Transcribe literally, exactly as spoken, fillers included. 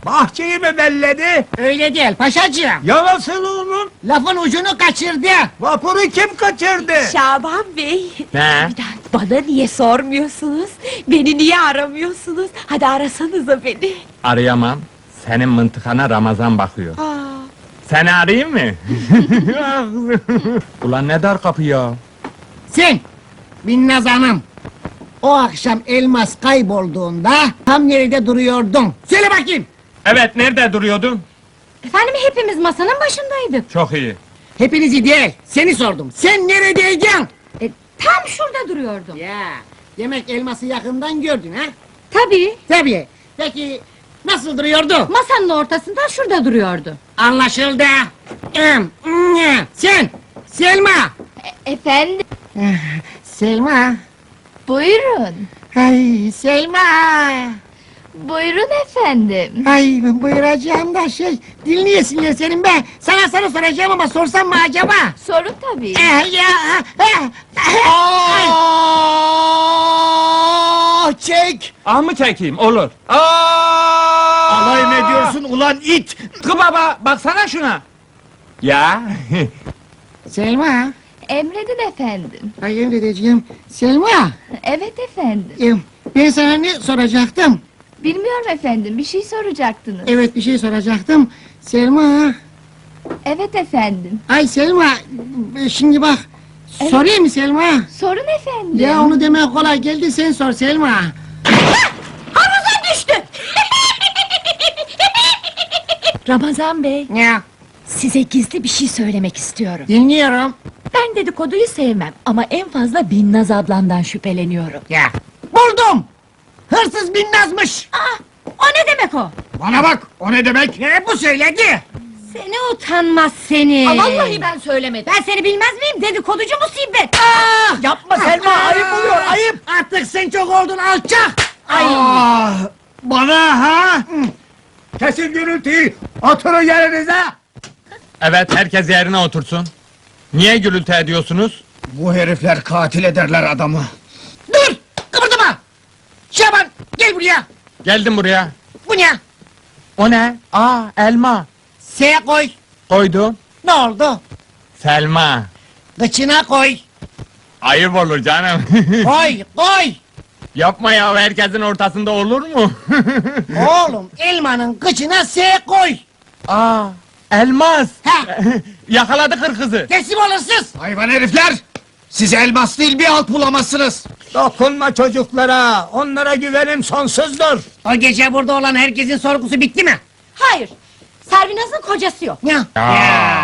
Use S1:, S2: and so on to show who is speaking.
S1: Bahçeyi mi belledi?
S2: Öyle değil paşacığım.
S1: Ya nasıl onun?
S2: Lafın ucunu kaçırdı.
S1: Vapuru kim kaçırdı?
S3: Şaban Bey!
S4: Ne?
S3: Bir daha bana niye sormuyorsunuz? Beni niye aramıyorsunuz? Hadi arasanıza beni!
S4: Arayamam. Senin mıntıkana Ramazan bakıyor.
S3: Aa,
S4: Seni arayayım mı? Ulan ne dar kapı ya.
S2: Sen, Binnaz Hanım. O akşam elmas kaybolduğunda tam nerede duruyordun? Söyle bakayım.
S4: Evet, nerede duruyordun?
S3: efendim hepimiz masanın başındaydık.
S4: Çok iyi.
S2: Hepinizi değil, seni sordum. Sen neredeydin?
S3: E, tam şurada duruyordum.
S2: Ya, demek elması yakından gördün ha?
S3: Tabii,
S2: Tabii. Peki, nasıl duruyordu?
S3: masanın ortasında şurada duruyordu.
S2: Anlaşıldı. Em, mm, Sen, Selma.
S3: E, efendim,
S2: Selma.
S3: buyurun.
S2: Ay Selma.
S3: Buyurun efendim.
S2: Ay buyuracağım da şey, dil niye sinir senin be? Sana soru soracağım ama sorsam mı acaba?
S3: Sorun tabii.
S2: Eh, ya, eh, eh, ay.
S1: Aa, çek!
S4: Ah mı çekeyim? Olur. Aa!
S1: Alay mı ediyorsun ulan it?
S4: Kı baba, baksana şuna. Ya.
S2: Selma.
S3: Emredin efendim.
S2: Ay emredeceğim. Selma.
S3: Evet efendim.
S2: em, Ben sana ne soracaktım?
S3: Bilmiyorum efendim, bir şey soracaktınız.
S2: Evet bir şey soracaktım. Selma.
S3: Evet efendim.
S2: Ay Selma. e, Şimdi bak.
S3: Evet.
S2: Sorayım mı Selma?
S3: Sorun efendim.
S2: Ya onu demek kolay geldi sen sor Selma.
S3: Havuza düştü! Ramazan Bey,
S2: Ya
S3: size gizli bir şey söylemek istiyorum.
S2: dinliyorum.
S3: Ben dedikoduyu sevmem ama en fazla Binnaz ablandan şüpheleniyorum.
S2: Ya. Buldum. Hırsız Binnaz'mış.
S3: Aa, o ne demek o?
S1: Bana bak, o ne demek?
S2: Ne bu söyledi?
S3: Seni utanmaz seni!
S5: Aa, vallahi ben söylemedim.
S3: Ben seni bilmez miyim? Dedikoducu musibet!
S2: Aa!
S1: Yapma Selma, ayıp oluyor, ayıp!
S2: Artık sen çok oldun alçak. Ay.
S1: Aa, bana ha? Kesin gürültüyü, oturun yerinize!
S4: Evet, herkes yerine otursun. Niye gürültü ediyorsunuz?
S1: Bu herifler katil ederler adamı.
S2: Dur! Kıpırdama! Şaban gel buraya.
S4: Geldim buraya.
S2: Bu ne?
S4: O ne? Aa, elma.
S2: S koy.
S4: Koydum.
S2: Ne oldu?
S4: Selma.
S2: Kıçına koy.
S4: Ayıp olur canım.
S2: Koy koy.
S4: Yapma ya, herkesin ortasında olur mu?
S2: Oğlum elmanın kıçına S koy.
S4: Aa, elmas.
S2: Ha.
S4: Yakaladı hırkızı.
S2: Teslim olursunuz.
S1: Hayvan herifler! Siz elmas değil bir alt bulamazsınız! Dokunma çocuklara, onlara güvenim sonsuzdur!
S2: O gece burada olan herkesin sorgusu bitti mi?
S3: Hayır! Servinaz'ın kocası yok.
S2: Ya.
S4: Ya.